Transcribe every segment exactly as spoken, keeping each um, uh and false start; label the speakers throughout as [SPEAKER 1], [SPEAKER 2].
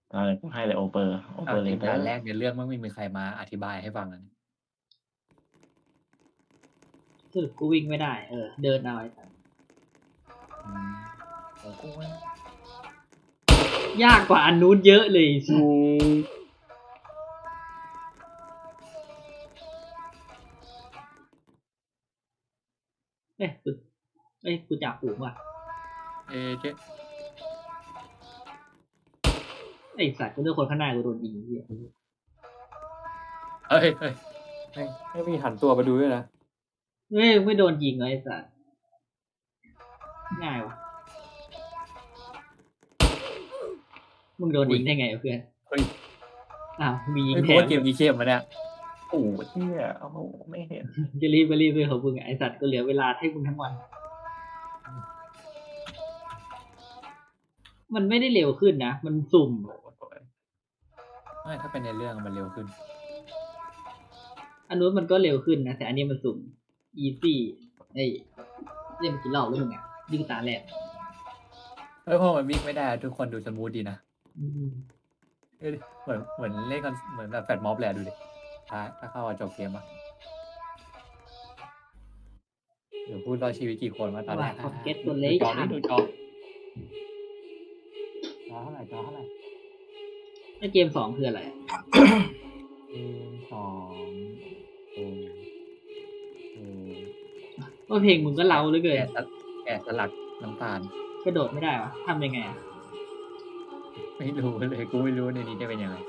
[SPEAKER 1] อ่ากูให้เลยโอเปอร์โอเป
[SPEAKER 2] เอาจริงด่าน
[SPEAKER 1] อเรเตอร์
[SPEAKER 2] แรกในเรื่องแม่งไม่มีใครมาอธิบายให้ฟังอะ
[SPEAKER 3] สรุปกูวิ่งไม่ได้ เออ เดินเอาไอ้สัส
[SPEAKER 2] อืมของกูแม่ง
[SPEAKER 3] ยากกว่าอันนู้นเยอะเลย
[SPEAKER 2] กู
[SPEAKER 3] เอ้ยกูเอ้ยกูจับฝูงว่ะ
[SPEAKER 2] เอเจ
[SPEAKER 3] ไอ้สัตว์กูเลือกคนข้างหน้ากูโดนยิงเหี้ย
[SPEAKER 2] เฮ้ยเฮ้ยแม่งไม่มีหันตัวมาดูด้วยนะ
[SPEAKER 3] เฮ้ยไม่โดนยิงเลยไอ้สัตว์ง่ายว่ะมึงโดนยิงได้ไงวะเพื่อน
[SPEAKER 2] เฮ้ย
[SPEAKER 3] อ้าวมียิง
[SPEAKER 2] ไม่
[SPEAKER 3] แท
[SPEAKER 2] รู้
[SPEAKER 3] น
[SPEAKER 2] ว่าเกมนี้เข้มมาเนี่ย
[SPEAKER 1] โอ้โหเหี้ยโอ้โหไม่เห็น
[SPEAKER 3] จะรีบไปรีบไปของมึงอะไอ้สัตว์ก็เหลือเวลาให้มึงทั้งวัน มันไม่ได้เร็วขึ้นนะ มันสุ่ม
[SPEAKER 2] ไม่ถ้าเป็นในเรื่องมันเร็วขึ้น
[SPEAKER 3] อันนู้นมันก็เร็วขึ้นนะ แต่อันนี้มันสุ่ม easy เอ้ยเล่นมากี่รอบแล้วมึงอ่ะยิ่งตาแรก
[SPEAKER 2] เฮ้ยพอมันวิ่งไม่ได้ทุกคนดูสมูทดีนะ
[SPEAKER 3] อืม
[SPEAKER 2] เอ้ยเหมือนเหมือนเล่นกันเหมือนแบบแฟตม็อบแหละดูดิถ้าถ้าเข้ามาจบเกมอะเดี๋ยวพูดรอดชีวิตกี่คนมาตอนแร
[SPEAKER 3] ว่าก พอเก็ตตัว
[SPEAKER 2] ดู
[SPEAKER 3] เล็ก
[SPEAKER 2] จอ
[SPEAKER 3] ทั
[SPEAKER 2] นี่
[SPEAKER 3] น
[SPEAKER 2] ดูจอจอเท่าไหร่จอเท่าไหร่
[SPEAKER 3] ไอ้เกมสองคืออะไร
[SPEAKER 2] เกมสองเออเออ
[SPEAKER 3] ว่าเพลงมึงก็เล้าเหลือเกิน
[SPEAKER 2] แกะสลักแกะสลักน้ำตาล
[SPEAKER 3] กระโดดไม่ได้วะทำยังไงอ่ะ
[SPEAKER 2] ไม่รู้เลยกูไม่รู้ในนี้จะเป็นยังไง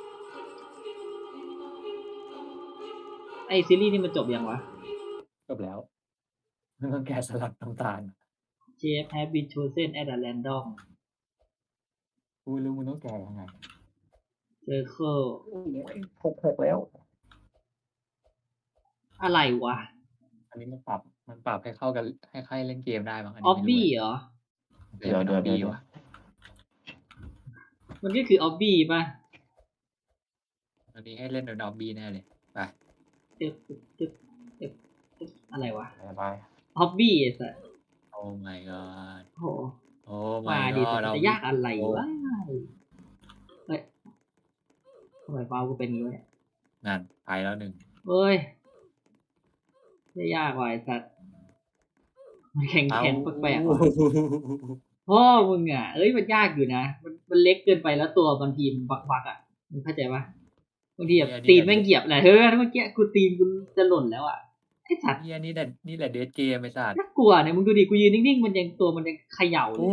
[SPEAKER 3] ไอซีรีส์นี่มันจบยังวะ
[SPEAKER 2] จบแล้วมันต้องแกะสลักน้ำตาล
[SPEAKER 3] Jeff has been chosen at a random
[SPEAKER 2] กูไม่รู้มึงต้องแกะยังไง
[SPEAKER 3] circle
[SPEAKER 1] โอ้ยหกหกแล้ว
[SPEAKER 3] อะไรวะ
[SPEAKER 2] อันนี้มันปรับมันปรับให้เข้ากันให้ใครเล่นเกมได้มั้งอัน
[SPEAKER 3] อ
[SPEAKER 2] นี้
[SPEAKER 3] อฟ
[SPEAKER 2] ไม่รู้
[SPEAKER 3] บี้
[SPEAKER 2] เลย
[SPEAKER 3] เหรอ
[SPEAKER 1] เดี๋ยวเดี๋ยวเดี๋ยว
[SPEAKER 2] อ
[SPEAKER 1] เดี๋ยว
[SPEAKER 2] ว่ะ
[SPEAKER 3] มันก็คือออฟบี้ป่ะ
[SPEAKER 2] อันนี้ให้เล่นโดยนอบบี้แน่เลยไป
[SPEAKER 3] ตึ๊บตึ๊บตึ๊บตึ๊บตึ๊บอะไรวะ
[SPEAKER 1] ไปไป
[SPEAKER 3] ออฟบี้ไอ้สัส
[SPEAKER 2] โอ้ my god
[SPEAKER 3] โห
[SPEAKER 2] โอ้
[SPEAKER 3] มา
[SPEAKER 2] my
[SPEAKER 3] ดิ
[SPEAKER 2] god
[SPEAKER 3] แต่
[SPEAKER 2] เรา
[SPEAKER 3] จะยากอะไรวะเฮ้ยทำไมเปากูเป็นอย่างนี้วะเนี่ย
[SPEAKER 2] นั่นไปแล้วหนึ่ง
[SPEAKER 3] เฮ้ยไม่ยากว่ะไอ้สัสมันแข็งแข็งแปลกๆว่ะพ่อมึงอ่ะ เอ้ยมันยากอยู่นะ มันมันเล็กเกินไปแล้วตัวบางทีมันบักๆอ่ะมึงเข้าใจปะบางทีแบบตีนแม่งเหยียบแหละเฮ้ยเมื่อกี้กูตีนกูจะหล่นแล้วอ่ะไอ้สัตว์
[SPEAKER 2] เฮียนี่แหละนี่แหละเดทเกมไอ้สัตว์
[SPEAKER 3] น่ากลัวเนี่ยมึงดูดิกูยืนนิ่งๆมันยังตัวมันยังเขย่าเล
[SPEAKER 2] โอ้
[SPEAKER 3] ย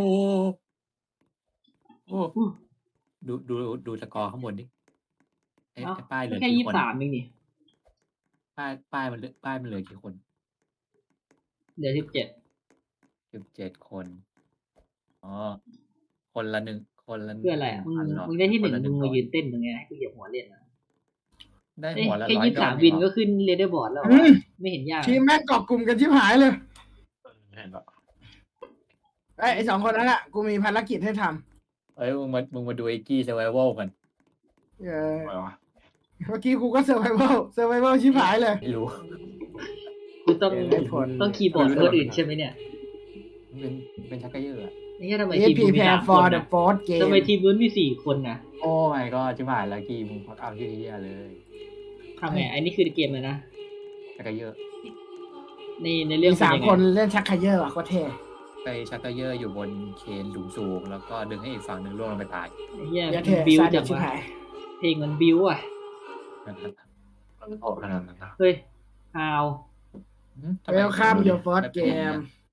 [SPEAKER 2] โอ้ดูดูดูสกอร์ข้างบนดิไอ้
[SPEAKER 3] เอ้า
[SPEAKER 2] ไอ้ป้ายเหลือ
[SPEAKER 3] แค่
[SPEAKER 2] กี่
[SPEAKER 3] ยี่
[SPEAKER 2] ค
[SPEAKER 3] สิ
[SPEAKER 2] น
[SPEAKER 3] บสามเองนี่
[SPEAKER 2] ป้ายป้ายมันเหลือป้ายมันเหลือกี่คน
[SPEAKER 3] เดี๋ยวสิบเจ็ด
[SPEAKER 2] สิบเจ็ดคนอ๋อคนละหนึ่งคนละ
[SPEAKER 3] เพื่ออะไรอ่ะมึง
[SPEAKER 2] พันเหรอ
[SPEAKER 3] มึงได้ที่หนึ่ง
[SPEAKER 2] คละ
[SPEAKER 3] มึง
[SPEAKER 2] ร้
[SPEAKER 3] มา
[SPEAKER 2] อย
[SPEAKER 3] ยืนเต้นตรงเนี้ยให้กูเหยียบหัวเล่นนะ
[SPEAKER 2] ได้
[SPEAKER 3] เอ้ย
[SPEAKER 2] หัวละ
[SPEAKER 3] แค่
[SPEAKER 2] ร้อย
[SPEAKER 3] ยี่สิบ
[SPEAKER 2] ดอ
[SPEAKER 3] สาม
[SPEAKER 2] ล
[SPEAKER 3] วิน
[SPEAKER 2] เองเหร
[SPEAKER 3] ก็
[SPEAKER 2] อ
[SPEAKER 3] ขึ้นเรเดอร์บอร์ดแล้ว
[SPEAKER 4] อืม
[SPEAKER 3] ไม่เห็นยาก
[SPEAKER 4] ทีมแม่งเกาะกลุ่มกันชิบหายเลย
[SPEAKER 1] เห็นปะ
[SPEAKER 4] ไอ้ยไอ้สองคนนั้นอ่ะ กูมีภารกิจให้ท
[SPEAKER 2] เอ้ยมึงมามึงมาดูไอ้กี้ survival กัน
[SPEAKER 4] ำเออ
[SPEAKER 1] อะไรวะ
[SPEAKER 4] เมื่อกี้กูก็เซอร์ไ a เ a ลเซอร์ไ a เ a ลชิบหายเลย
[SPEAKER 2] ไม่รู้
[SPEAKER 3] กูต้อง
[SPEAKER 4] เดี๋ยวได้ผล
[SPEAKER 3] ต้องคีย์บอร์ดคนอื่นใช่ไหมเนี่ย
[SPEAKER 2] มันเป็นเป็นชักกระเยอะอะ
[SPEAKER 3] ไอ้เหี้ยทำไม
[SPEAKER 4] เอ
[SPEAKER 3] ทีม
[SPEAKER 4] พี
[SPEAKER 3] มึง
[SPEAKER 4] แพ
[SPEAKER 3] มีสาม
[SPEAKER 4] ร์
[SPEAKER 3] ค
[SPEAKER 4] for
[SPEAKER 3] น
[SPEAKER 4] the
[SPEAKER 3] นะ
[SPEAKER 4] fourth game
[SPEAKER 3] ทำไมทีมมึงมีสี่คนนะ
[SPEAKER 2] โอ้ my god ชิบหายแล้วกี้มึงพักเอาที่เฮียเลย
[SPEAKER 3] ทำไงไอ้นี่คือเกมเลยนะ
[SPEAKER 2] ชักกระเยอะ
[SPEAKER 3] ในในเรื่อง
[SPEAKER 4] มีสาม
[SPEAKER 3] เป็ยังไง
[SPEAKER 4] คนเล่นชักไคเยอร์ว่ะก็เท่
[SPEAKER 2] ไปชักกระเยอะอยู่บนเคนสูงๆแล้วก็ดึงให้อีกฝั่งหนึ่งล่วงลงไปตาย
[SPEAKER 3] ไอ้เหี้ย
[SPEAKER 4] เดี๋ยว
[SPEAKER 3] มั
[SPEAKER 4] เท่
[SPEAKER 3] นบิว
[SPEAKER 4] ซาดิ
[SPEAKER 3] จั
[SPEAKER 4] ส
[SPEAKER 3] ง
[SPEAKER 4] ชิบ
[SPEAKER 3] วะ
[SPEAKER 4] หาย
[SPEAKER 3] เพลงมันบิวอ่ะ
[SPEAKER 1] มันโหดขนาดนั้นนะ
[SPEAKER 3] เฮ้ยฮาว
[SPEAKER 2] ทำไม
[SPEAKER 4] Welcome your first game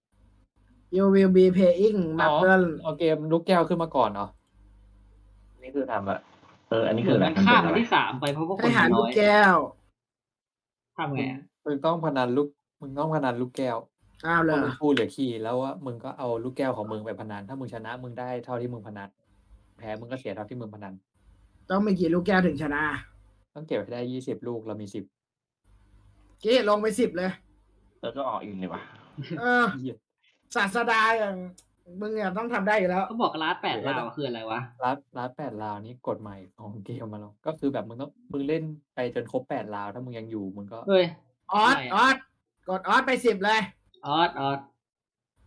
[SPEAKER 4] you will be playing
[SPEAKER 2] อ๋อ
[SPEAKER 4] Marble
[SPEAKER 2] เอาเกมลูกแก้วขึ้นมาก่อนเหรอ
[SPEAKER 1] นี่คือทำอะเอออันนี้
[SPEAKER 3] เห
[SPEAKER 1] คื
[SPEAKER 3] มื
[SPEAKER 1] อ
[SPEAKER 3] อน
[SPEAKER 1] อะไร
[SPEAKER 3] มันข้าม
[SPEAKER 1] เป็
[SPEAKER 3] มาน
[SPEAKER 1] อะไร
[SPEAKER 3] ที่สามไปเพราะว่าค
[SPEAKER 4] ให้
[SPEAKER 3] น
[SPEAKER 4] หา
[SPEAKER 3] มัน
[SPEAKER 4] ลู
[SPEAKER 3] น้
[SPEAKER 4] ก
[SPEAKER 3] อย
[SPEAKER 4] แก้ว
[SPEAKER 3] ทำไงอะ
[SPEAKER 2] มึงต้องพนันลูกมึงต้องพนันลูกแก้ว
[SPEAKER 4] อ้าวเล
[SPEAKER 2] ว่าย มึงพูดเหลือขี้แล้วว่ามึงก็เอาลูกแก้วของมึงไปพนันถ้ามึงชนะมึงได้เท่าที่มึงพนันแพ้มึงก็เสียเท่าที่มึงพนัน
[SPEAKER 4] ต้องมีกี่ลูกแก้วถึงชนะ
[SPEAKER 2] ต้องเก็บให้ได้ยี่สิบลูกเรามีสิบ
[SPEAKER 4] กี้ลงไปสิบเลย
[SPEAKER 1] แล้วก็ออกอีกเลยวะ
[SPEAKER 4] เออ ศาสดาอย่างมึงเนี่ยต้องทำได้อยู่แล้ว
[SPEAKER 3] เขาบอกลาสแปดลาวคืออะไรวะ
[SPEAKER 2] รัดรัดแปดราวนี้กฎใหม่ของเกมมาแล้วก็คือแบบมึงต้องมึงเล่นไปจนครบแปดราวถ้ามึงยังอยู่มึงก็
[SPEAKER 3] เฮ้ย
[SPEAKER 4] ออส
[SPEAKER 3] อะไรอะ
[SPEAKER 4] ออสกดออสไปสิบเลย
[SPEAKER 3] ออสออส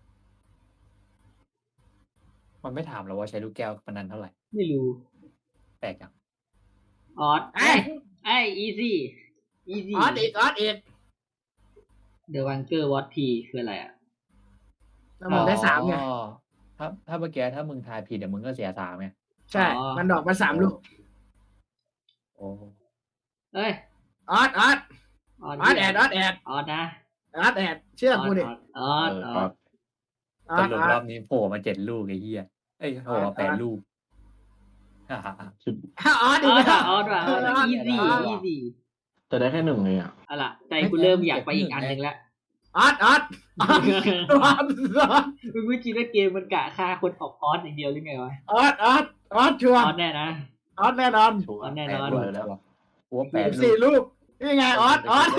[SPEAKER 2] มันไม่ถามเราว่าใช้ลูกแก้วพนันเท่าไหร่
[SPEAKER 3] ไม่รู้
[SPEAKER 2] แปลกจัง
[SPEAKER 3] ออส
[SPEAKER 4] ไอ้
[SPEAKER 3] ไอ้อีซี่อีซี่
[SPEAKER 4] ออสอีกออสอีก
[SPEAKER 3] เดอะวันเกอร์วอตพีคืออะไรอ่ะ
[SPEAKER 4] แล้วมึงได้สามไง
[SPEAKER 2] อ๋อถ้าถ้าเมื่อกี้ถ้ามึงทายผิดเดี๋ยวมึงก็เสียสามไง
[SPEAKER 4] ใช่
[SPEAKER 3] อ๋อ
[SPEAKER 4] มันดอกมาสามลูก
[SPEAKER 2] โอ้
[SPEAKER 3] เอ้ย
[SPEAKER 4] ออสออส
[SPEAKER 3] ออส
[SPEAKER 4] ออสแอดออสแอด
[SPEAKER 3] ออสนะ
[SPEAKER 4] ออสแอดเชื่อกูดิ
[SPEAKER 3] ออส
[SPEAKER 1] เอ
[SPEAKER 3] อ
[SPEAKER 1] อ
[SPEAKER 3] อส
[SPEAKER 1] ก็
[SPEAKER 2] สรุป
[SPEAKER 4] ออสออ
[SPEAKER 2] ร
[SPEAKER 4] ส
[SPEAKER 2] อบนี้โผล่มาเจ็ดลูกไอ้เหี้ยเอ้ยโผล่มาแปดลูก ฮ่าฮ่าฮ่า
[SPEAKER 1] คือ
[SPEAKER 4] ออส
[SPEAKER 3] อ
[SPEAKER 4] อีก
[SPEAKER 3] อส
[SPEAKER 4] แล้ว
[SPEAKER 3] ออสว่ะออส
[SPEAKER 2] ออส
[SPEAKER 3] อีซี่
[SPEAKER 2] ออส
[SPEAKER 3] อีซี่
[SPEAKER 1] จะได้แค่หนึ่งเลยอ่ะ
[SPEAKER 3] เอาล่ะใจกูเริ่มอยากไปอีกอันหนึ่งแล้ว
[SPEAKER 4] ออสออสออสออสออส
[SPEAKER 3] มึงไม่คิดว่าเกมมันกะฆ่าคนออกออสอย่างเดียวหรือไงวะ
[SPEAKER 4] ออสออสออสชัว
[SPEAKER 3] อ
[SPEAKER 4] ร์
[SPEAKER 3] อสแน่นะ
[SPEAKER 4] ออสแน่นอน
[SPEAKER 1] ชัวร์
[SPEAKER 3] แน่
[SPEAKER 2] แป
[SPEAKER 3] น
[SPEAKER 2] ด
[SPEAKER 3] อน
[SPEAKER 2] ลูก
[SPEAKER 1] แล้ว
[SPEAKER 2] หัวแปด
[SPEAKER 4] สิบ
[SPEAKER 2] ลู
[SPEAKER 4] สี่
[SPEAKER 2] ก
[SPEAKER 4] ลูกนี่ไงออสออส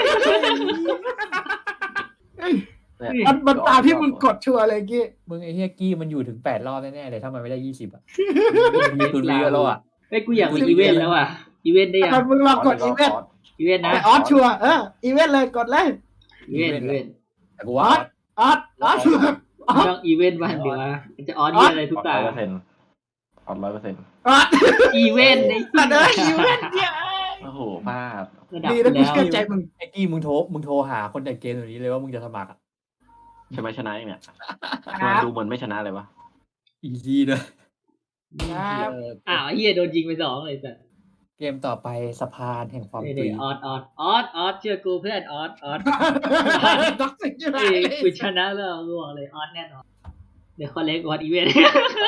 [SPEAKER 4] เอ้ย
[SPEAKER 1] เนี่ย
[SPEAKER 4] มันมันตามที่มึงกดชัวร์เลยกี้
[SPEAKER 2] มึงไอ้เหี้ยกี้มันอยู่ถึงแปดรอบแน่ๆเลยถ้ามันไม่ได้ยี่สิบอ่ะมีตุนเยอะแล้วอ่ะ
[SPEAKER 3] เฮ้ยกูอยากมีอีเวนต์แล้วอ่ะอีเวนต์ได้ยัง
[SPEAKER 4] มันมึงลองกดอีเวนต์
[SPEAKER 3] อีเวนต์นะ
[SPEAKER 4] แต่ออสชัวร์เอออีเวนต์เลยกดเลย
[SPEAKER 3] อีเวนต์อีเวนต์
[SPEAKER 2] แต่กูว่า
[SPEAKER 4] ออสออสออส
[SPEAKER 3] ต้องอีเวนต์บ้างเดี๋ยวนะมันจะออสเยี่ยอะไรทุก
[SPEAKER 1] ออด
[SPEAKER 3] ตา
[SPEAKER 1] ร้อยเปอร์เซ็นต์ออดร้อยเปอร์เซ็นต์
[SPEAKER 4] ออส
[SPEAKER 3] อีเวนต์ไอ้
[SPEAKER 4] แต่เด้ออีเวนต์เนี่ย
[SPEAKER 1] โอ้โหพลาด
[SPEAKER 3] ระดับ
[SPEAKER 4] ดีนะกู
[SPEAKER 3] แล้ว
[SPEAKER 4] เชื่อใจมึง
[SPEAKER 2] ไอ้กี้มึงโทรมึงโทรหาคนจัดเกมตัวนี้เลยว่ามึงจะสมัครอ่ะ
[SPEAKER 1] ใช่ไหมชนะเองเนี่ย
[SPEAKER 4] ครั
[SPEAKER 1] มัน
[SPEAKER 4] บ
[SPEAKER 1] ดูเหมือนไม่ชนะเลยวะ
[SPEAKER 2] อีซี่เลย
[SPEAKER 4] ครับ
[SPEAKER 2] เออ
[SPEAKER 3] อ้าวเฮียโดนยิงไปสองเลยจ้ะ
[SPEAKER 2] เกมต่อไปสะพานแห่งความ
[SPEAKER 3] เดี๋
[SPEAKER 2] ตุย
[SPEAKER 3] ยวออสออสออสออสเชื่อกูเพื่อนออสออส
[SPEAKER 4] ท็อกซิกอยู่ไหน
[SPEAKER 3] เอ้ยกูชนะแล้วกูบอกเลยออสแน่นอนเดี๋ยวคอลเลกออสอีเวนต์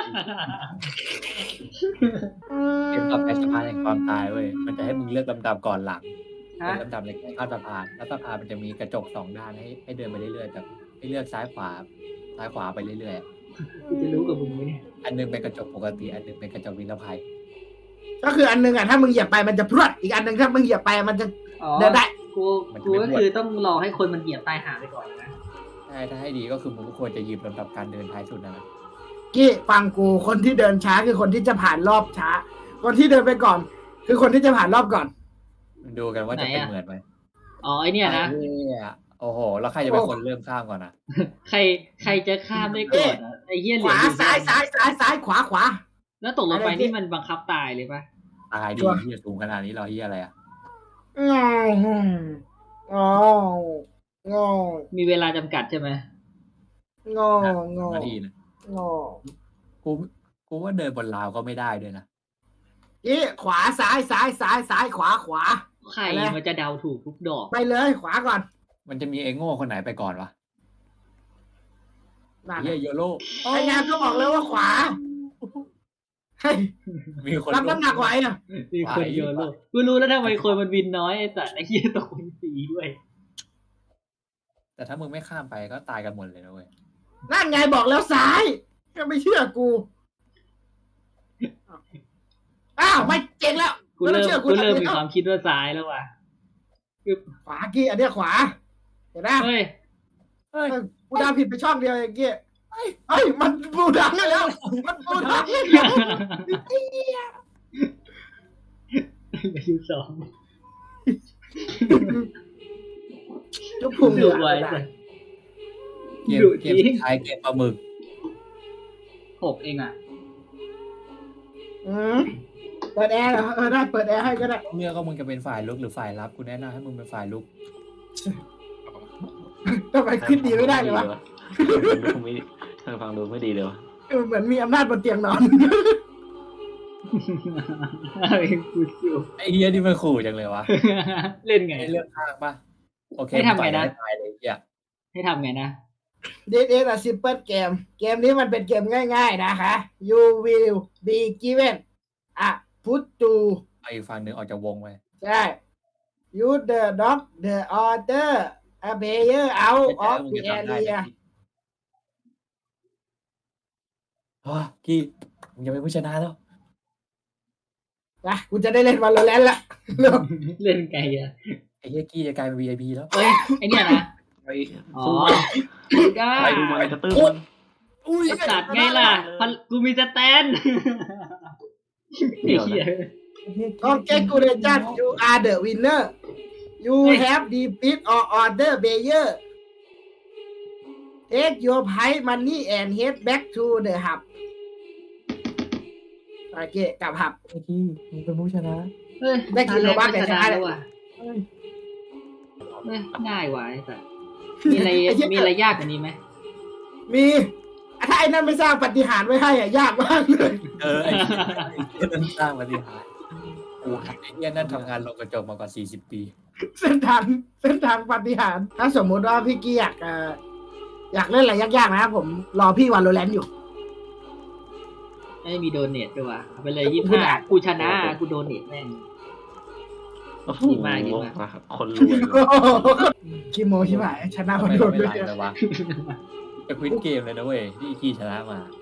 [SPEAKER 2] เกมต่อไปสะพานแห่งความตายเว้ยมันจะให้มึงเลือกลำดับก่อนหลัง
[SPEAKER 3] ฮะ
[SPEAKER 2] เป็นลำดับในการข้ามสะพานแล้วสะพานมันจะมีกระจกสองด้านให้ให้เดินไปเรื่อยๆแบบให้เลือกซ้ายขวาซ้ายขวาไปเรื่อยๆอะ
[SPEAKER 3] กูจะรู้กับมึงไหมเนี่ย
[SPEAKER 2] อันหนึงเป็นกระจกปกติอันหนึงเป็นกระจกนิรภัย
[SPEAKER 4] ก็คืออันหนึงอ่ะถ้ามึงเหยียบไปมันจะพรวดอีกอันหนึงถ้ามึงเหยียบไปมันจะ
[SPEAKER 3] อ๋อ
[SPEAKER 4] เดินได้
[SPEAKER 3] กูกูก็คือต้องรอให้คนมันเหยียบตายหาไปก่อนนะ
[SPEAKER 2] ใช่ถ้าให้ดีก็คือมึงก็ควรจะหยิบลำดับการเดินท้ายสุดนะนะ
[SPEAKER 4] กี้ฟังกูคนที่เดินช้าคือคนที่จะผ่านรอบช้า คนที่เดินไปก่อน คือคนที่จะผ่านรอบก่อน
[SPEAKER 2] มึงดูกันว่าจะเป็นเหมือนไหม
[SPEAKER 3] อ๋อไอเนี่ยนะ
[SPEAKER 2] ไอ้เนี่ยโอ้โหแล้วใครจะเป็นคนเริ่มข้ามก่อนนะ
[SPEAKER 3] ใครใครจะข้ามได้ก่อนอะไอเฮียเห
[SPEAKER 4] ข
[SPEAKER 3] ลือ
[SPEAKER 4] วา
[SPEAKER 3] อยู่
[SPEAKER 4] ซ้ายซ้ายซ้ายซ้ายขวาขวา
[SPEAKER 3] แล้วตกลงไป
[SPEAKER 4] อะไรที่
[SPEAKER 3] นี่มันบังคับตายเลยปะ
[SPEAKER 2] ตายดี
[SPEAKER 4] ชัวร์
[SPEAKER 2] ที่จะสูงขนาดนี้รอเฮียอะไรอ่ะ
[SPEAKER 4] งององอ
[SPEAKER 3] มีเวลาจำกัดใช่ไหม
[SPEAKER 4] งองอ
[SPEAKER 2] นาทีนะ
[SPEAKER 4] งอ
[SPEAKER 2] กูกูว่าเดินบนราวก็ไม่ได้ด้วยนะ
[SPEAKER 4] กี้ขวาซ้ายซ้ายซ้ายซ้ายขวาขวา
[SPEAKER 3] ใคร
[SPEAKER 4] อะไร
[SPEAKER 3] มันจะเดาถูกทุกดอก
[SPEAKER 4] ไปเลยขวาก่อน
[SPEAKER 2] มันจะมีไอ้โง่คนไหนไปก่อนวะ
[SPEAKER 4] นั่น
[SPEAKER 2] เฮียโยโร่
[SPEAKER 4] ไอ้งานก็บอกเลยว่าขวาเฮ้ย
[SPEAKER 2] มีคน
[SPEAKER 4] รับน้ำหนักไหวอ่ะ
[SPEAKER 3] มีคนโยนโลกกูรู้แล้วทำไมคนมันบินน้อยไอ้สัตว์ไอ้เหี้ยตกเป็นสีด้วย
[SPEAKER 2] แต่ถ้ามึงไม่ข้ามไปก็ตายกันหมดเลยนะเว้ย
[SPEAKER 4] นั่นไงบอกแล้วซ้ายก็ไม่เชื่อกู อ้าวไม่เจ๋งแล้ว
[SPEAKER 3] กูเริ่ม
[SPEAKER 4] ไต้องชื่อ
[SPEAKER 3] กูเริ่มมี
[SPEAKER 4] ทำ
[SPEAKER 3] ความคิดว่าซ้ายแล้วว่ะ
[SPEAKER 4] ขวากี้อันเนี้ยขวา เห็นไหม
[SPEAKER 3] เฮ้ย
[SPEAKER 2] เฮ้ย
[SPEAKER 4] กูดาวผิดไปช่องเดียวเองกี้เฮ้ยมันปูดังได้แล้ว มันปูดังได้แล้ว
[SPEAKER 3] ไปดูสอง
[SPEAKER 4] จุ๊บพุง
[SPEAKER 3] ดูไว้
[SPEAKER 4] เลย
[SPEAKER 3] สัตว์
[SPEAKER 2] เกม
[SPEAKER 3] ดุ
[SPEAKER 2] เก
[SPEAKER 3] จ
[SPEAKER 2] ม
[SPEAKER 3] ริง
[SPEAKER 2] สุดท้ายเกมปลาหมึก
[SPEAKER 3] หกเองอ่ะ
[SPEAKER 4] อืมเปิดแอร์เหรอเออได้เปิดแอร์ให้ก็ได้
[SPEAKER 2] เลือกว่ามึงจะเป็นฝ่ายลุกหรือฝ่ายรับกูแนะนำให้มึงเป็นฝ่ายลุก
[SPEAKER 4] ทำไมขึ้นดีไม่ได้เลยวะ
[SPEAKER 1] ดูไม่เธอฟังดูไม่ดีเลยวะ
[SPEAKER 4] เออเหมือนมีอำนาจบนเตียงนอน
[SPEAKER 3] เอาเองกูสู้
[SPEAKER 2] ไอ้เฮียนี่มันขู่จังเลยวะ
[SPEAKER 3] เล่นไง
[SPEAKER 2] ให้เลือกข้างปะโอเค
[SPEAKER 3] ให้ทำไงนะ
[SPEAKER 2] มึปล่อยให้ตายเลยเฮีย
[SPEAKER 3] ให้ทำไงนะ
[SPEAKER 4] This is a simple game เกมนี้มันเป็นเกมง่ายๆนะคะ You will be given a put to
[SPEAKER 2] เอาอีกฝั่งหนึ่งออกจากวงไป
[SPEAKER 4] ใช่ You the dog the order a player out
[SPEAKER 2] ไม่
[SPEAKER 4] of
[SPEAKER 2] ใช่
[SPEAKER 4] the
[SPEAKER 2] ว่ามึงจะทำได้
[SPEAKER 4] area
[SPEAKER 2] อ๋อกี้มึงจะเป็นผู้ชนะแล้ว
[SPEAKER 4] นะกูจะได้เล่นวันละแลนละเร็ว
[SPEAKER 3] เล่นไงอ่ะ
[SPEAKER 2] ไอ้เฮียกี้จะกลายเป็น วี ไอ พี แล้ว
[SPEAKER 3] เฮ้ยไอเนี่ยนะ
[SPEAKER 1] ไป
[SPEAKER 3] อ๋อ
[SPEAKER 1] สู้มัน
[SPEAKER 3] ได้
[SPEAKER 1] ไปดูมันจะตื้มมัน
[SPEAKER 4] อุ้ย
[SPEAKER 3] ไอสัตว์ไงล่ะพันกูมีสแตนไอ้เหี้ย
[SPEAKER 4] Congratulations you are the winner You
[SPEAKER 3] เฮ้ย
[SPEAKER 4] have defeat or order player Take your prize money and head back to the hub ไปโอเคกลับหับ
[SPEAKER 2] ไอ้ที่มึงเป็นผู้ชนะ
[SPEAKER 3] เฮ้ย
[SPEAKER 4] ได้กี่โลบัค
[SPEAKER 3] ตาแร
[SPEAKER 4] แต่ชนะ
[SPEAKER 3] แล้วว่ะ
[SPEAKER 2] เฮ้ย
[SPEAKER 3] เฮ้ยง่ายว่ะไอ้สัสมีอะไรมีอะไรยากกว่านี้ไหม
[SPEAKER 4] มีถ้าไอ้นั่นไม่สร้างปาฏิหารย์ไว้ให้อ่ะยากมากเลย
[SPEAKER 2] เออไอ้ที่ไอ้นั่นสร้างปฏิหารย์กูไอ้เนี่ยนั่นทำงานลงกระจกมากว่าสี่สิบปี
[SPEAKER 4] เส้นทางเส้นทางปาฏิหารย์ถ้าสมมุติว่าพี่กี้อยากเอ่ออยากเล่นอะไรยากๆนะผมรอพี่วันโรแลนด์อยู่
[SPEAKER 3] ไม่มีโดเนทด้วยว่ะเอาไปเลยยี่สิบห้ากูชนะกูโดเนทแม่ง
[SPEAKER 1] โอ้โห
[SPEAKER 3] ดีมากดีมาก
[SPEAKER 1] คนรวย
[SPEAKER 4] คิโมใช่ไหมชนะ
[SPEAKER 2] ทำ
[SPEAKER 4] คน
[SPEAKER 2] ไม
[SPEAKER 4] โด
[SPEAKER 2] เรา
[SPEAKER 4] น
[SPEAKER 2] ไม่
[SPEAKER 4] ด้วย
[SPEAKER 2] รันเลยวะจะควิดเกมเลยนะเว้ยที่อีกี้ชนะมา